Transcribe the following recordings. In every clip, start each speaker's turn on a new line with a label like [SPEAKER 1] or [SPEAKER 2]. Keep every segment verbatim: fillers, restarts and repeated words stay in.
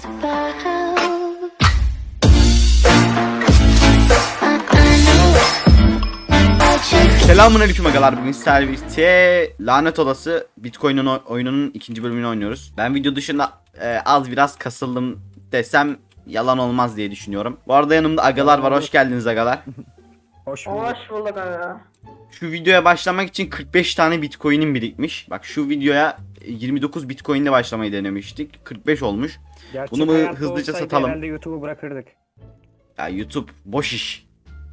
[SPEAKER 1] cares about.
[SPEAKER 2] Selamünaleyküm agalar, bugün sizlerle birlikte Lanet Olası Bitcoin'in oyununun ikinci bölümünü oynuyoruz. Ben video dışında e, az biraz kasıldım desem yalan olmaz diye düşünüyorum. Bu arada yanımda agalar var, hoş geldiniz agalar.
[SPEAKER 3] Hoş bulduk.
[SPEAKER 4] Hoş bulduk abi.
[SPEAKER 2] Şu videoya başlamak için kırk beş tane Bitcoin'im birikmiş. Bak şu videoya yirmi dokuz Bitcoin'le başlamayı denemiştik. kırk beş olmuş.
[SPEAKER 3] Gerçek
[SPEAKER 2] Bunu mu
[SPEAKER 3] hayatta
[SPEAKER 2] hızlıca
[SPEAKER 3] olsaydı
[SPEAKER 2] satalım?
[SPEAKER 3] Herhalde YouTube'u bırakırdık.
[SPEAKER 2] Ya YouTube boş iş.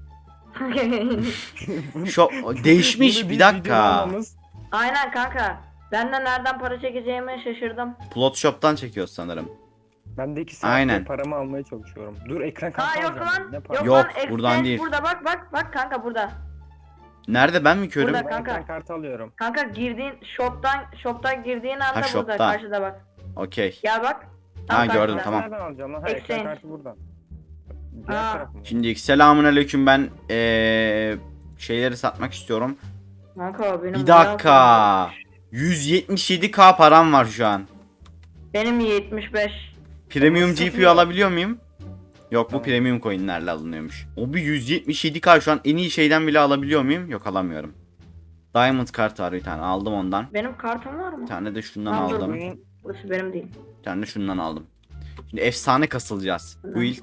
[SPEAKER 2] Şu değişmiş
[SPEAKER 3] Bunu
[SPEAKER 2] bir
[SPEAKER 3] biz
[SPEAKER 2] dakika.
[SPEAKER 3] videolamamız-
[SPEAKER 4] Aynen kanka. Ben de nereden para çekeceğimi şaşırdım.
[SPEAKER 2] Plot Shop'tan çekiyoruz sanırım.
[SPEAKER 3] Ben de iki saattir
[SPEAKER 2] Aynen.
[SPEAKER 3] paramı almaya çalışıyorum. Dur ekran
[SPEAKER 4] Ha
[SPEAKER 3] kartı
[SPEAKER 4] yok
[SPEAKER 3] alacağım.
[SPEAKER 4] lan.
[SPEAKER 3] Ne
[SPEAKER 4] Yok,
[SPEAKER 3] para?
[SPEAKER 2] Yok,
[SPEAKER 4] lan. Exchange
[SPEAKER 2] buradan değil.
[SPEAKER 4] Burada bak bak bak kanka burada.
[SPEAKER 2] Nerede, ben mi körüm?
[SPEAKER 4] Burada.
[SPEAKER 3] Ben
[SPEAKER 4] kanka.
[SPEAKER 3] ekran kartı alıyorum.
[SPEAKER 4] Kanka girdiğin shop'tan shop'tan girdiğin anda burada
[SPEAKER 2] shop'ta.
[SPEAKER 4] karşıda bak.
[SPEAKER 2] Okey.
[SPEAKER 4] Gel bak.
[SPEAKER 2] Ha,
[SPEAKER 4] Tam
[SPEAKER 2] gördüm,
[SPEAKER 4] karşıda.
[SPEAKER 2] tamam.
[SPEAKER 3] Nereden alacağım lan? Ha ekran
[SPEAKER 4] Exchange.
[SPEAKER 3] kartı burada. Diğer
[SPEAKER 4] Aa.
[SPEAKER 3] taraf mı?
[SPEAKER 2] Şimdi selamünaleyküm, ben ee, şeyleri satmak istiyorum.
[SPEAKER 4] Kanka benim
[SPEAKER 2] Bir
[SPEAKER 4] bayağı
[SPEAKER 2] dakika.
[SPEAKER 4] param var.
[SPEAKER 2] yüz yetmiş yedi K param var şu an.
[SPEAKER 4] Benim yetmiş beş.
[SPEAKER 2] Premium
[SPEAKER 3] Nasıl
[SPEAKER 2] G P U
[SPEAKER 3] ya?
[SPEAKER 2] alabiliyor muyum? Yok, bu
[SPEAKER 3] Tamam.
[SPEAKER 2] premium coinlerle alınıyormuş. O bir yüz yetmiş yedi K şu an en iyi şeyden bile alabiliyor muyum? Yok, alamıyorum. Diamond kart var bir tane, aldım ondan.
[SPEAKER 4] Benim kartım var mı?
[SPEAKER 2] Bir tane de şundan
[SPEAKER 4] Tamam, dur,
[SPEAKER 2] aldım.
[SPEAKER 3] Bugün
[SPEAKER 4] Burası benim değil.
[SPEAKER 2] Bir tane de şundan aldım. Şimdi efsane kasılacağız.
[SPEAKER 4] Tamam.
[SPEAKER 2] Build.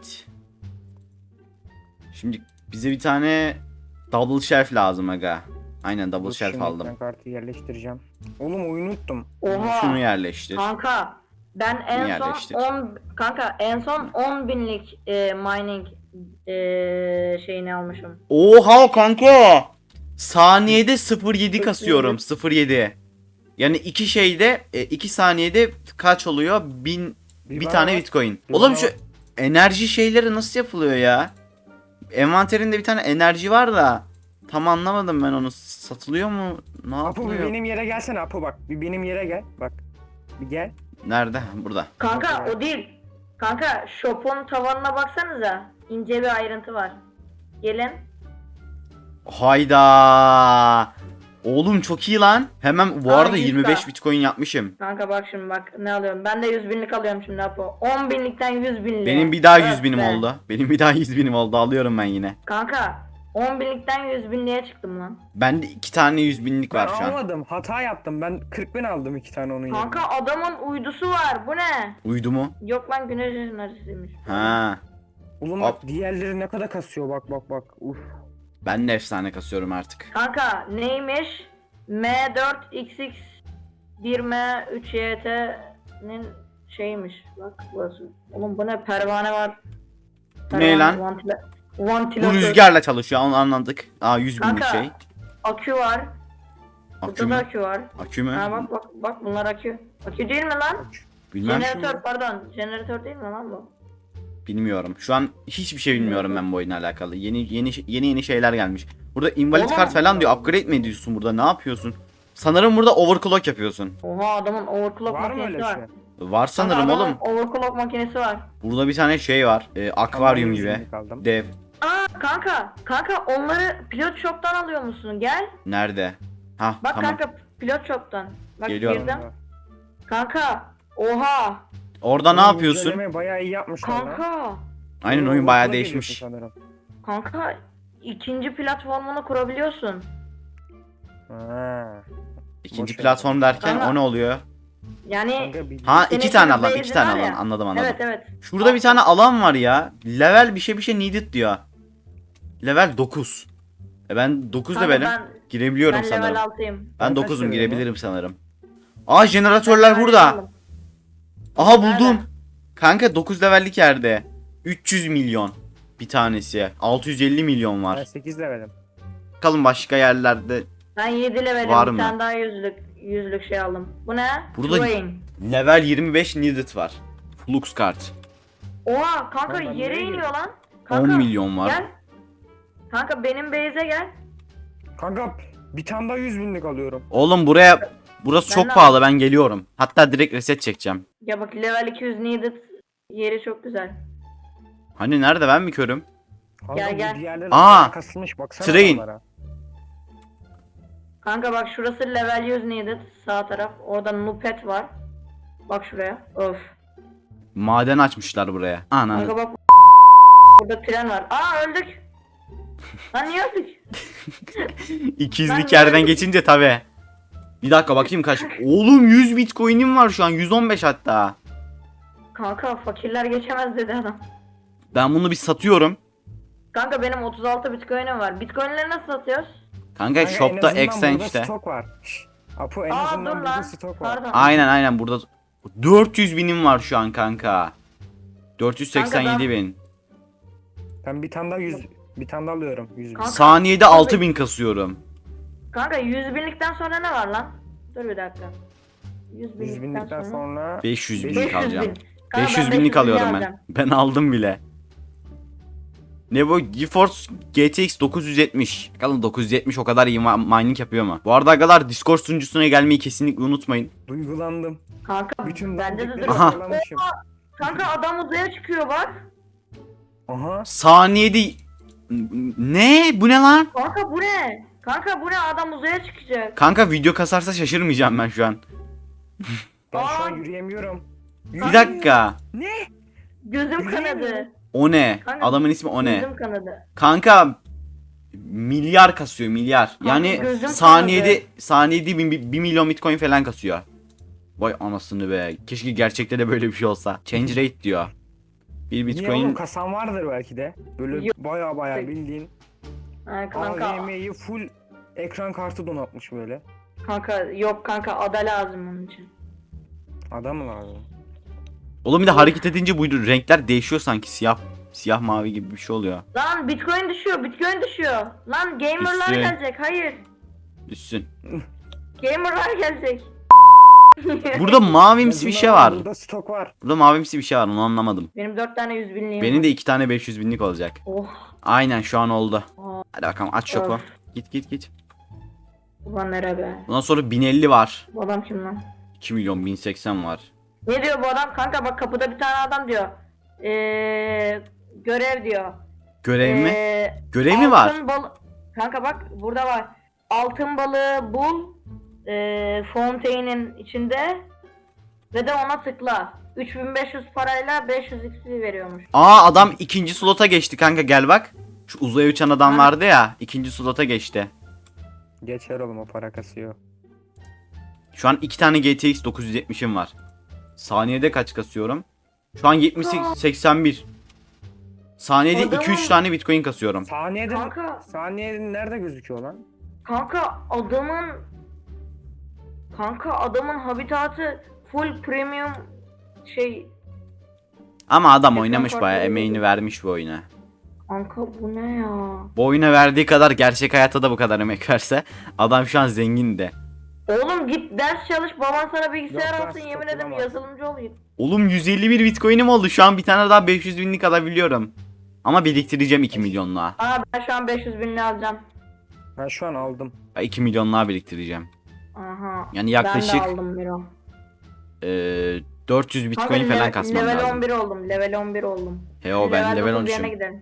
[SPEAKER 2] Şimdi bize bir tane double shelf lazım aga. Aynen, double
[SPEAKER 3] dur
[SPEAKER 2] shelf
[SPEAKER 3] şimdi
[SPEAKER 2] aldım.
[SPEAKER 3] ekran kartı yerleştireceğim. Oğlum oyunu unuttum.
[SPEAKER 4] Oha.
[SPEAKER 2] Şunu yerleştir.
[SPEAKER 4] Kanka ben en
[SPEAKER 2] yerleştir.
[SPEAKER 4] son on kanka en son on binlik e, mining e, şeyini almışım.
[SPEAKER 2] Oha kanka. Saniyede sıfır virgül yedi kasıyorum. sıfır virgül yedi. Yani iki şeyde e, iki saniyede kaç oluyor? Bin bir,
[SPEAKER 3] bana
[SPEAKER 2] tane
[SPEAKER 3] bak.
[SPEAKER 2] Bitcoin.
[SPEAKER 3] Bir
[SPEAKER 2] Oğlum
[SPEAKER 3] bana
[SPEAKER 2] şu
[SPEAKER 3] bak.
[SPEAKER 2] enerji şeyleri nasıl yapılıyor ya? Envanterinde bir tane enerji var da tam anlamadım ben onu. Satılıyor mu? Ne
[SPEAKER 3] Apo bir
[SPEAKER 2] yapılıyor?
[SPEAKER 3] benim yere gelsene Apo bak. Bir benim yere gel. Bak. Bir gel.
[SPEAKER 2] Nerede? Burada.
[SPEAKER 4] Kanka
[SPEAKER 3] Bakın.
[SPEAKER 4] o değil. Kanka shop'un tavanına baksanıza. İnce bir ayrıntı var. Gelin.
[SPEAKER 2] Hayda. Oğlum çok iyi lan. Hemen bu
[SPEAKER 4] Aa,
[SPEAKER 2] arada
[SPEAKER 4] yüz
[SPEAKER 2] yirmi beş
[SPEAKER 4] K.
[SPEAKER 2] Bitcoin yapmışım.
[SPEAKER 4] Kanka bak şimdi bak ne alıyorum. Ben de yüz binlik alıyorum şimdi Apo. on binlikten yüz binliğe.
[SPEAKER 2] Benim bir daha yüz
[SPEAKER 4] Evet
[SPEAKER 2] binim
[SPEAKER 4] be.
[SPEAKER 2] oldu. Benim bir daha yüz binim oldu. Alıyorum ben yine.
[SPEAKER 4] Kanka on binlikten yüz binliğe çıktım lan.
[SPEAKER 2] Bende iki tane yüz binlik
[SPEAKER 3] Ben
[SPEAKER 2] var şu an.
[SPEAKER 3] almadım. Hata yaptım. Ben kırk bin aldım iki tane onun yerine.
[SPEAKER 4] Kanka adamın uydusu var. Bu ne?
[SPEAKER 2] Uydu mu?
[SPEAKER 4] Yok lan güneş enerjisiymiş.
[SPEAKER 2] Ha.
[SPEAKER 3] Oğlum bak diğerleri ne kadar kasıyor bak bak bak. Uf.
[SPEAKER 2] Ben de efsane kasıyorum artık.
[SPEAKER 4] Kanka neymiş? M dört X X bir M üç Y T'nin şeymiş. Bak burası. Oğlum bu ne? Pervane var.
[SPEAKER 2] Bu ne lan?
[SPEAKER 4] Vantile
[SPEAKER 2] Bu
[SPEAKER 4] vantilatör.
[SPEAKER 2] rüzgarla çalışıyor, onu anladık. Aa, yüz binlik
[SPEAKER 4] Kanka,
[SPEAKER 2] şey.
[SPEAKER 4] Akü var.
[SPEAKER 2] Akü
[SPEAKER 4] Burada da
[SPEAKER 2] mü?
[SPEAKER 4] akü var.
[SPEAKER 2] Akü mü?
[SPEAKER 4] Ha bak bak bak bunlar akü. Akü değil mi lan?
[SPEAKER 2] Bilmem.
[SPEAKER 4] Jeneratör pardon. Jeneratör değil mi lan bu?
[SPEAKER 2] Bilmiyorum. Şu an hiçbir şey bilmiyorum ben bu oyunla alakalı. Yeni yeni yeni yeni şeyler gelmiş. Burada invalid
[SPEAKER 4] Oğlum.
[SPEAKER 2] kart falan diyor. Upgrade mi ediyorsun burada? Ne yapıyorsun? Sanırım burada overclock yapıyorsun.
[SPEAKER 4] Oha adamın overclock
[SPEAKER 3] Var mı
[SPEAKER 4] makinesi
[SPEAKER 3] öyle
[SPEAKER 4] var.
[SPEAKER 3] şey?
[SPEAKER 2] Var sanırım
[SPEAKER 4] Kanka,
[SPEAKER 2] oğlum.
[SPEAKER 4] adamın overclock makinesi var.
[SPEAKER 2] Burada bir tane şey var. E, akvaryum
[SPEAKER 3] Tamam,
[SPEAKER 2] gibi.
[SPEAKER 3] yüz binlik aldım.
[SPEAKER 2] Dev.
[SPEAKER 4] Aa kanka, kanka onları pilot shop'tan alıyor musun? Gel.
[SPEAKER 2] Nerede? Ha,
[SPEAKER 4] Bak
[SPEAKER 2] tamam.
[SPEAKER 4] kanka pilot shop'tan. Bak
[SPEAKER 2] Geliyorum.
[SPEAKER 4] girdim. Kanka, oha.
[SPEAKER 2] Orada ne
[SPEAKER 3] Oğlum,
[SPEAKER 2] yapıyorsun?
[SPEAKER 3] güncelleme bayağı iyi yapmışlar lan.
[SPEAKER 4] Kanka,
[SPEAKER 2] Aynen, oyun bayağı değişmiş.
[SPEAKER 3] Sanırım.
[SPEAKER 4] kanka ikinci platformunu kurabiliyorsun.
[SPEAKER 3] Ha.
[SPEAKER 2] İkinci
[SPEAKER 3] Boş ver.
[SPEAKER 2] platform derken
[SPEAKER 4] Ama-
[SPEAKER 2] o ne oluyor?
[SPEAKER 4] Yani
[SPEAKER 3] Kanka bir-
[SPEAKER 2] Ha,
[SPEAKER 4] Senin
[SPEAKER 2] iki tane
[SPEAKER 4] gibi
[SPEAKER 2] alan,
[SPEAKER 4] base'in
[SPEAKER 2] iki tane
[SPEAKER 4] var ya.
[SPEAKER 2] alan. Anladım anladım.
[SPEAKER 4] evet evet.
[SPEAKER 2] Şurada bir tane alan var ya. Level bir şey bir şey needed diyor. Level dokuz. E ben dokuz
[SPEAKER 4] Kanka
[SPEAKER 2] levelim.
[SPEAKER 4] ben,
[SPEAKER 2] Girebiliyorum
[SPEAKER 4] ben
[SPEAKER 2] sanırım.
[SPEAKER 4] level altıyım.
[SPEAKER 2] Ben
[SPEAKER 3] Ben kaç
[SPEAKER 2] dokuzum,
[SPEAKER 3] levelim
[SPEAKER 2] girebilirim sanırım. Aa, jeneratörler
[SPEAKER 4] Ben
[SPEAKER 2] burada.
[SPEAKER 4] level aldım.
[SPEAKER 2] Aha, buldum.
[SPEAKER 4] Nerede?
[SPEAKER 2] Kanka dokuz levellik yerde. üç yüz milyon bir tanesi. altı yüz elli milyon
[SPEAKER 3] Ben
[SPEAKER 2] var.
[SPEAKER 3] sekiz levelim.
[SPEAKER 2] Bakalım başka yerlerde.
[SPEAKER 4] Ben yedi levelim.
[SPEAKER 2] Var
[SPEAKER 4] bir
[SPEAKER 2] mı?
[SPEAKER 4] tane daha yüzlük yüzlük şey aldım. Bu ne?
[SPEAKER 2] Burada-
[SPEAKER 4] Terrain.
[SPEAKER 2] Level yirmi beş needed var. Flux kart.
[SPEAKER 4] Oha kanka
[SPEAKER 3] Lan ben
[SPEAKER 4] yere
[SPEAKER 3] nereye
[SPEAKER 4] iniyor lan.
[SPEAKER 2] on
[SPEAKER 4] Kanka,
[SPEAKER 2] milyon var.
[SPEAKER 4] Gel. Kanka benim base'e gel.
[SPEAKER 3] Kanka bir tane daha yüz binlik alıyorum.
[SPEAKER 2] Oğlum buraya burası
[SPEAKER 4] Ben
[SPEAKER 2] çok
[SPEAKER 4] de-
[SPEAKER 2] pahalı, ben geliyorum. Hatta direkt reset çekeceğim.
[SPEAKER 4] Ya bak level iki yüz needed yeri çok güzel.
[SPEAKER 2] Hani nerede, ben mi körüm?
[SPEAKER 3] Kanka
[SPEAKER 4] Gel,
[SPEAKER 3] bu
[SPEAKER 4] gel.
[SPEAKER 3] diğerleri
[SPEAKER 2] Aa!
[SPEAKER 3] kasılmış baksana
[SPEAKER 2] Train.
[SPEAKER 3] onlara.
[SPEAKER 4] Kanka bak şurası level yüz needed sağ taraf. Orada Nupet var. Bak şuraya. Of.
[SPEAKER 2] Maden açmışlar buraya. Ananı.
[SPEAKER 4] Kanka bak burada tren var. Aa öldük. Lan niye öldük?
[SPEAKER 2] iki yüzlük
[SPEAKER 4] Ben
[SPEAKER 2] yerden
[SPEAKER 4] böyle-
[SPEAKER 2] geçince tabi. Bir dakika bakayım kaç. Oğlum yüz bitcoin'im var şu an. yüz on beş hatta.
[SPEAKER 4] Kanka fakirler geçemez dedi adam.
[SPEAKER 2] Ben bunu bir satıyorum.
[SPEAKER 4] Kanka benim otuz altı bitcoin'im var. Bitcoin'leri nasıl satıyoruz?
[SPEAKER 2] Kanka,
[SPEAKER 3] Kanka, en
[SPEAKER 2] shop'ta
[SPEAKER 3] azından
[SPEAKER 2] exchange
[SPEAKER 3] burada
[SPEAKER 2] işte.
[SPEAKER 3] stok var. Şşş. Apo en
[SPEAKER 4] Aa
[SPEAKER 3] azından
[SPEAKER 4] dur
[SPEAKER 3] burada
[SPEAKER 4] lan.
[SPEAKER 3] stok var.
[SPEAKER 4] Pardon.
[SPEAKER 2] Aynen aynen burada dört yüz binim var şu an kanka. dört yüz seksen yedi
[SPEAKER 4] Kanka
[SPEAKER 2] bin.
[SPEAKER 3] Ben bir tane daha yüz bir tane daha alıyorum. yüz bin.
[SPEAKER 4] Kanka-
[SPEAKER 2] Saniyede altı bin kasıyorum.
[SPEAKER 4] Kanka yüz binlikten sonra ne var lan? Dur bir dakika. yüz
[SPEAKER 3] yüz
[SPEAKER 4] binlikten,
[SPEAKER 3] binlikten
[SPEAKER 4] sonra.
[SPEAKER 3] sonra
[SPEAKER 2] beş yüz
[SPEAKER 3] beş
[SPEAKER 2] binlik
[SPEAKER 3] yüz
[SPEAKER 4] bin.
[SPEAKER 2] alacağım.
[SPEAKER 4] Kanka
[SPEAKER 2] beş yüz
[SPEAKER 4] ben
[SPEAKER 2] binlik
[SPEAKER 4] beş yüz
[SPEAKER 2] alıyorum ben.
[SPEAKER 4] alacağım.
[SPEAKER 2] Ben aldım bile. Ne bu? GeForce G T X dokuz yüz yetmiş. Bakalım dokuz yüz yetmiş o kadar iyi ma- mining yapıyor mu? Bu arada agalar Discord sunucusuna gelmeyi kesinlikle unutmayın.
[SPEAKER 3] duygulandım.
[SPEAKER 4] Kanka
[SPEAKER 3] Bütün
[SPEAKER 4] bende de
[SPEAKER 3] dandikleri
[SPEAKER 4] dur.
[SPEAKER 2] Aha.
[SPEAKER 3] sıralamışım.
[SPEAKER 4] Kanka adam uzaya çıkıyor bak.
[SPEAKER 3] Aha.
[SPEAKER 2] Saniyede... Ne? Bu ne lan?
[SPEAKER 4] Kanka bu ne? Kanka bu ne? Adam uzaya çıkacak.
[SPEAKER 2] Kanka video kasarsa şaşırmayacağım ben şu an.
[SPEAKER 3] Ben şu
[SPEAKER 4] Aa.
[SPEAKER 3] an yürüyemiyorum.
[SPEAKER 2] Bir dakika.
[SPEAKER 3] Ne?
[SPEAKER 4] Gözüm
[SPEAKER 3] Yürüyemiyorum.
[SPEAKER 4] kanadı.
[SPEAKER 2] O ne?
[SPEAKER 4] Kanka,
[SPEAKER 2] Adamın ismi o ne?
[SPEAKER 4] Gözüm kanadı.
[SPEAKER 2] Kanka milyar kasıyor milyar. Yani
[SPEAKER 4] gözüm
[SPEAKER 2] saniyede
[SPEAKER 4] kanadı.
[SPEAKER 2] saniyede bir, bir milyon bitcoin falan kasıyor. Vay anasını be. Keşke gerçekte de böyle bir şey olsa. Change rate diyor. Bir
[SPEAKER 3] Niye oğlum,
[SPEAKER 2] bitcoin
[SPEAKER 3] kasan vardır belki de. Böyle
[SPEAKER 4] Yok.
[SPEAKER 3] baya baya bildiğin
[SPEAKER 4] Ha, kanka,
[SPEAKER 3] A V M'yi full ekran kartı donatmış böyle.
[SPEAKER 4] kanka yok kanka ada lazım onun için.
[SPEAKER 3] Adam mı lazım?
[SPEAKER 2] Oğlum bir de hareket edince bu renkler değişiyor sanki siyah siyah mavi gibi bir şey oluyor.
[SPEAKER 4] Lan bitcoin düşüyor, bitcoin düşüyor. Lan gamerlar
[SPEAKER 2] Düşsün.
[SPEAKER 4] gelecek, hayır.
[SPEAKER 2] Düşsün.
[SPEAKER 4] Gamerlar gelecek.
[SPEAKER 2] Burada mavimsi bir şey
[SPEAKER 3] Yazın
[SPEAKER 2] var.
[SPEAKER 3] ama Burada stok var.
[SPEAKER 2] Burada mavimsi bir şey var onu anlamadım.
[SPEAKER 4] Benim dört tane yüz binliğim
[SPEAKER 2] Benim
[SPEAKER 4] var.
[SPEAKER 2] de iki tane beş yüz binlik olacak.
[SPEAKER 4] Oh.
[SPEAKER 2] Aynen şu an oldu.
[SPEAKER 4] Aa,
[SPEAKER 2] Hadi bakalım aç şoku.
[SPEAKER 4] Of.
[SPEAKER 2] Git git git.
[SPEAKER 4] ulan nere be?
[SPEAKER 2] Bundan sonra bin elli var.
[SPEAKER 4] Bu adam kim lan?
[SPEAKER 2] iki milyon bin seksen var.
[SPEAKER 4] Ne diyor bu adam? Kanka bak kapıda bir tane adam diyor. Eee görev diyor.
[SPEAKER 2] Görev mi?
[SPEAKER 4] Ee,
[SPEAKER 2] Görev mi var?
[SPEAKER 4] altın balı- Kanka bak burada var. Altın balığı bul. Eee Fontaine'in içinde. Ve de ona tıkla. üç bin beş yüz parayla beş yüz X P veriyormuş.
[SPEAKER 2] Aa adam ikinci slota geçti kanka gel bak. Şu uzaya uçan adam
[SPEAKER 4] Ha.
[SPEAKER 2] vardı ya ikinci slota geçti.
[SPEAKER 3] Geçer oğlum, o para kasıyor.
[SPEAKER 2] Şu an iki tane G T X dokuz yüz yetmişim var. Saniyede kaç kasıyorum? Şu an yetmiş seksen bir. Saniyede
[SPEAKER 4] Adamın-
[SPEAKER 2] iki üç tane bitcoin kasıyorum.
[SPEAKER 3] Saniyede
[SPEAKER 4] Kanka.
[SPEAKER 3] saniyede nerede gözüküyor lan?
[SPEAKER 4] Kanka adamın Kanka adamın habitatı full premium şey.
[SPEAKER 2] Ama adam
[SPEAKER 4] Ekran
[SPEAKER 2] oynamış
[SPEAKER 4] kartı
[SPEAKER 2] bayağı
[SPEAKER 4] öyle
[SPEAKER 2] emeğini
[SPEAKER 4] değil.
[SPEAKER 2] vermiş bu oyuna.
[SPEAKER 4] Kanka bu ne ya?
[SPEAKER 2] Bu oyuna verdiği kadar gerçek hayatta da bu kadar emek verse adam şu an zengin de.
[SPEAKER 4] Oğlum git ders çalış, baban sana bilgisayar
[SPEAKER 3] Yok lan,
[SPEAKER 4] alsın, yemin
[SPEAKER 3] stok
[SPEAKER 4] ederim
[SPEAKER 3] bulamaz.
[SPEAKER 4] yazılımcı olayım.
[SPEAKER 2] Oğlum yüz elli bir bitcoin'im oldu. Şu an bir tane daha beş yüz binlik alabiliyorum. Ama biriktireceğim iki milyonluğa.
[SPEAKER 4] Aa ben şu an beş yüz binli alacağım.
[SPEAKER 3] Ben şu an aldım.
[SPEAKER 2] Ben iki milyonluğa biriktireceğim.
[SPEAKER 4] Aha.
[SPEAKER 2] Yani yaklaşık
[SPEAKER 4] Ben de aldım bir o.
[SPEAKER 2] eee, dört yüz bitcoin
[SPEAKER 4] Kanka,
[SPEAKER 2] falan
[SPEAKER 4] le-
[SPEAKER 2] kasmam
[SPEAKER 4] level
[SPEAKER 2] lazım.
[SPEAKER 4] on bir oldum, level on bir oldum.
[SPEAKER 2] He o ben level
[SPEAKER 4] dokuz yerine
[SPEAKER 2] on üçüm.
[SPEAKER 4] gidelim.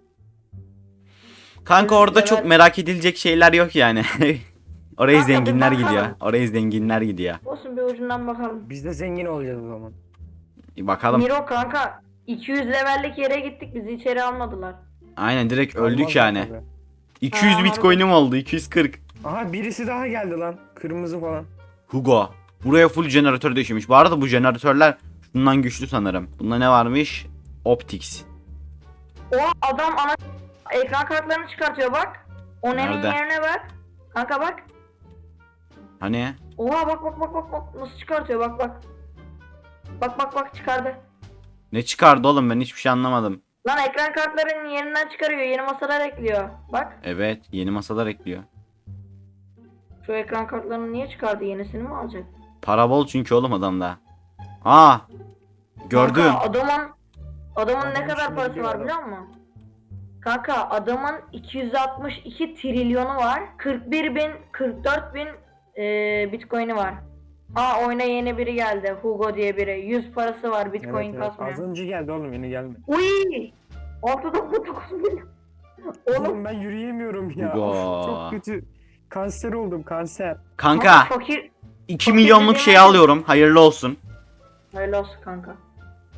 [SPEAKER 2] Kanka orada
[SPEAKER 4] level-
[SPEAKER 2] çok merak edilecek şeyler yok yani. Oraya
[SPEAKER 4] Kanka, bir
[SPEAKER 2] zenginler
[SPEAKER 4] bakalım.
[SPEAKER 2] gidiyor. Oraya zenginler gidiyor.
[SPEAKER 4] Olsun bir ucundan bakalım.
[SPEAKER 3] Biz de zengin olacağız o zaman.
[SPEAKER 2] Bir bakalım.
[SPEAKER 4] Miro kanka iki yüz levellik yere gittik, bizi içeri almadılar.
[SPEAKER 2] Aynen direkt öldük
[SPEAKER 3] Olmaz
[SPEAKER 2] yani.
[SPEAKER 3] tabii.
[SPEAKER 2] iki yüz
[SPEAKER 4] Aa,
[SPEAKER 2] bitcoin'im oldu. iki yüz kırk.
[SPEAKER 3] Aha birisi daha geldi lan. Kırmızı falan.
[SPEAKER 2] Hugo. Buraya full jeneratör döşemiş. Bu arada bu jeneratörler bundan güçlü sanırım. Bunda ne varmış? Optics.
[SPEAKER 4] O adam ana ekran kartlarını çıkartıyor bak. Onun
[SPEAKER 2] Nerede?
[SPEAKER 4] yerine bak. Kanka bak.
[SPEAKER 2] Hani?
[SPEAKER 4] Oha bak bak bak bak bak nasıl çıkartıyor bak bak. Bak bak bak çıkardı.
[SPEAKER 2] Ne çıkardı oğlum ben hiçbir şey anlamadım.
[SPEAKER 4] Lan ekran kartlarının yerinden çıkarıyor, yeni masalar ekliyor. Bak
[SPEAKER 2] Evet yeni masalar ekliyor.
[SPEAKER 4] şu ekran kartlarını niye çıkardı, yenisini mi alacak?
[SPEAKER 2] Para bol çünkü oğlum adamda. Aa. Gördüm.
[SPEAKER 4] Kanka adamın adamın ne
[SPEAKER 3] Adam
[SPEAKER 4] kadar
[SPEAKER 3] şimdi
[SPEAKER 4] parası
[SPEAKER 3] gidiyor
[SPEAKER 4] var
[SPEAKER 3] adam.
[SPEAKER 4] biliyor musun? Kanka adamın iki yüz altmış iki trilyonu var. kırk bir bin kırk dört bin eee bitcoin'i var. Aa oyuna yeni biri geldi. Hugo diye biri. yüz parası var, bitcoin
[SPEAKER 3] Evet, evet.
[SPEAKER 4] kasmıyor.
[SPEAKER 3] Az önce geldi oğlum, yeni gelmedi.
[SPEAKER 4] Uy! altı nokta dokuz milyon. Oğlum
[SPEAKER 3] Oğlum ben yürüyemiyorum ya.
[SPEAKER 2] Hugo.
[SPEAKER 3] Of, çok kötü. Kanser oldum, kanser.
[SPEAKER 2] Kanka
[SPEAKER 4] fakir.
[SPEAKER 2] iki milyonluk şey alıyorum. Hayırlı olsun.
[SPEAKER 4] Hayırlı olsun kanka.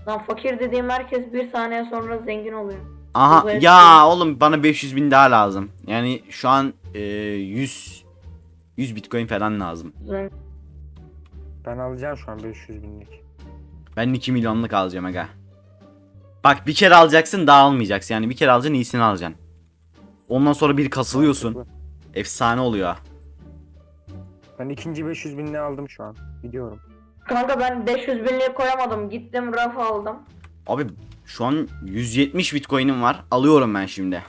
[SPEAKER 4] Lan fakir dediğim herkes bir saniye sonra zengin oluyor.
[SPEAKER 2] Aha
[SPEAKER 4] Bu
[SPEAKER 2] ya oğlum bana beş yüz bin daha lazım. Yani şu an e, yüz yüz bitcoin falan lazım.
[SPEAKER 4] Zengin.
[SPEAKER 3] Ben alacağım şu an beş yüz binlik.
[SPEAKER 2] Ben iki milyonluk alacağım aga. Bak bir kere alacaksın daha almayacaksın. Yani bir kere alacaksın iyisini alacaksın. Ondan sonra bir kasılıyorsun. Efsane oluyor.
[SPEAKER 3] Ben ikinci beş yüz binliği aldım şu an. Gidiyorum.
[SPEAKER 4] Kanka ben beş yüz binliği koyamadım. Gittim raf aldım.
[SPEAKER 2] Abi şu an yüz yetmiş bitcoin'im var. Alıyorum ben şimdi.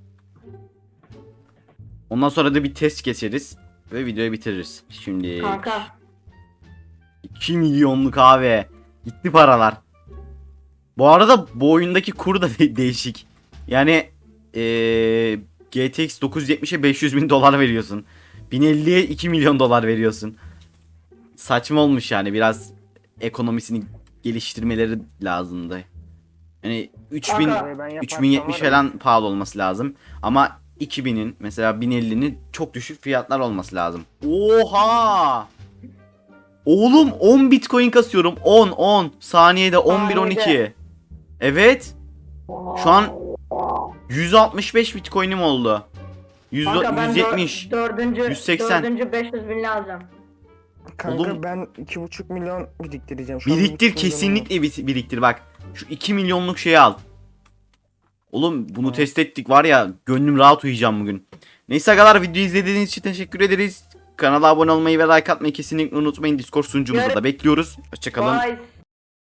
[SPEAKER 2] Ondan sonra da bir test geçeriz. Ve videoyu bitiririz. Şimdi
[SPEAKER 4] Kanka.
[SPEAKER 2] iki milyonluk abi. Gitti paralar. Bu arada bu oyundaki kur da de- değişik. Yani ee, G T X dokuz yüz yetmişe beş yüz bin dolar veriyorsun. bin elliye iki milyon dolar veriyorsun. Saçma olmuş yani, biraz ekonomisini geliştirmeleri lazımdı. Yani üç bin
[SPEAKER 4] Kanka.
[SPEAKER 3] Burayı ben yaparsam
[SPEAKER 2] üç bin yetmiş
[SPEAKER 3] var ya,
[SPEAKER 2] falan pahalı olması lazım. Ama iki binin mesela bin ellinin çok düşük fiyatlar olması lazım. Oha! Oğlum on bitcoin kasıyorum. on on saniyede on bir on iki.
[SPEAKER 4] Saniyede.
[SPEAKER 2] Evet. Şu an yüz altmış beş bitcoin'im oldu. yüz,
[SPEAKER 4] Kanka ben
[SPEAKER 2] yüz yetmiş.
[SPEAKER 4] dördüncü,
[SPEAKER 2] yüz seksen.
[SPEAKER 4] dördüncü beş yüz binliği alacağım.
[SPEAKER 3] Kanka
[SPEAKER 2] Oğlum-
[SPEAKER 3] ben iki buçuk milyon biriktireceğim. Şu an bir
[SPEAKER 2] Biriktir,
[SPEAKER 3] buçuk milyonum var.
[SPEAKER 2] kesinlikle bir- biriktir bak. Şu iki milyonluk şeyi al. Oğlum bunu
[SPEAKER 3] Tamam.
[SPEAKER 2] test ettik var ya, gönlüm rahat uyuyacağım bugün. Neyse arkadaşlar, videoyu izlediğiniz için teşekkür ederiz. Kanala abone olmayı ve like atmayı kesinlikle unutmayın. Discord sunucumuzu
[SPEAKER 4] Görü-
[SPEAKER 2] da bekliyoruz. Hoşçakalın.
[SPEAKER 4] Bye.